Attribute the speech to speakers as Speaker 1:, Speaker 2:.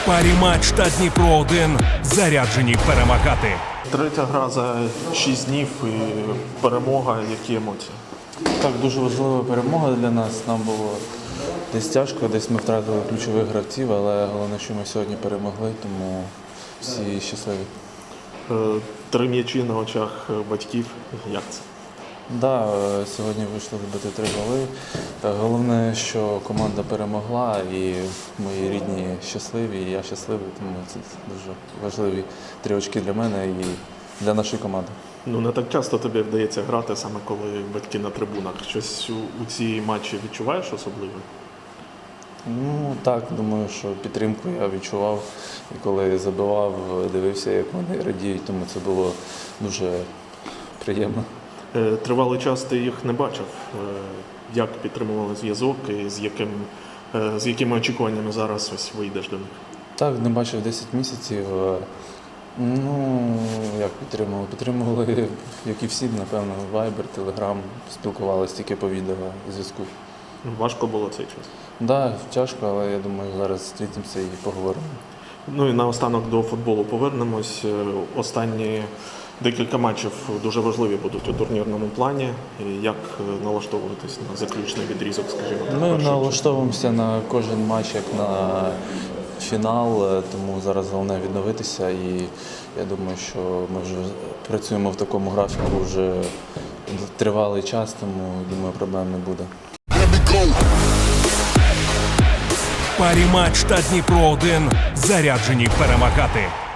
Speaker 1: Парі-матч та Дніпро-1 заряджені перемагати.
Speaker 2: Третя гра за 6 днів і перемога. Які емоції?
Speaker 3: Так, дуже важлива перемога для нас. Нам було десь тяжко, десь ми втратили ключових гравців, але головне, що ми сьогодні перемогли, тому всі щасливі.
Speaker 2: 3 м'ячі на очах батьків. Як це?
Speaker 3: Да, сьогодні вийшло забити 3 голи. Головне, що команда перемогла і мої рідні щасливі, і я щасливий, тому це дуже важливі 3 очки для мене і для нашої команди.
Speaker 2: Ну, не так часто тобі вдається грати, саме коли батьки на трибунах. Щось у ці матчі відчуваєш особливо?
Speaker 3: Ну так, думаю, що підтримку я відчував. І коли забивав, дивився, як вони радіють, тому це було дуже приємно.
Speaker 2: Тривалий час ти їх не бачив. Як підтримували зв'язок і з якими очікуваннями зараз ось вийдеш до них?
Speaker 3: Так, не бачив 10 місяців. Ну, як підтримували? Підтримували, як і всі, напевно, Viber, Telegram, спілкувалися тільки по відеозв'язку.
Speaker 2: Важко було цей час?
Speaker 3: Так, да, тяжко, але я думаю, зараз зустрінемося і поговоримо.
Speaker 2: Ну і наостанок до футболу повернемось. Останні декілька матчів дуже важливі будуть у турнірному плані. Як налаштовуватись на заключний відрізок, скажімо так?
Speaker 3: Ми налаштовуємося на кожен матч, як на фінал, тому зараз головне відновитися. І я думаю, що ми вже працюємо в такому графіку вже тривалий час, тому, думаю, проблем не буде.
Speaker 1: Парі-матч та Дніпро-1 заряджені перемагати.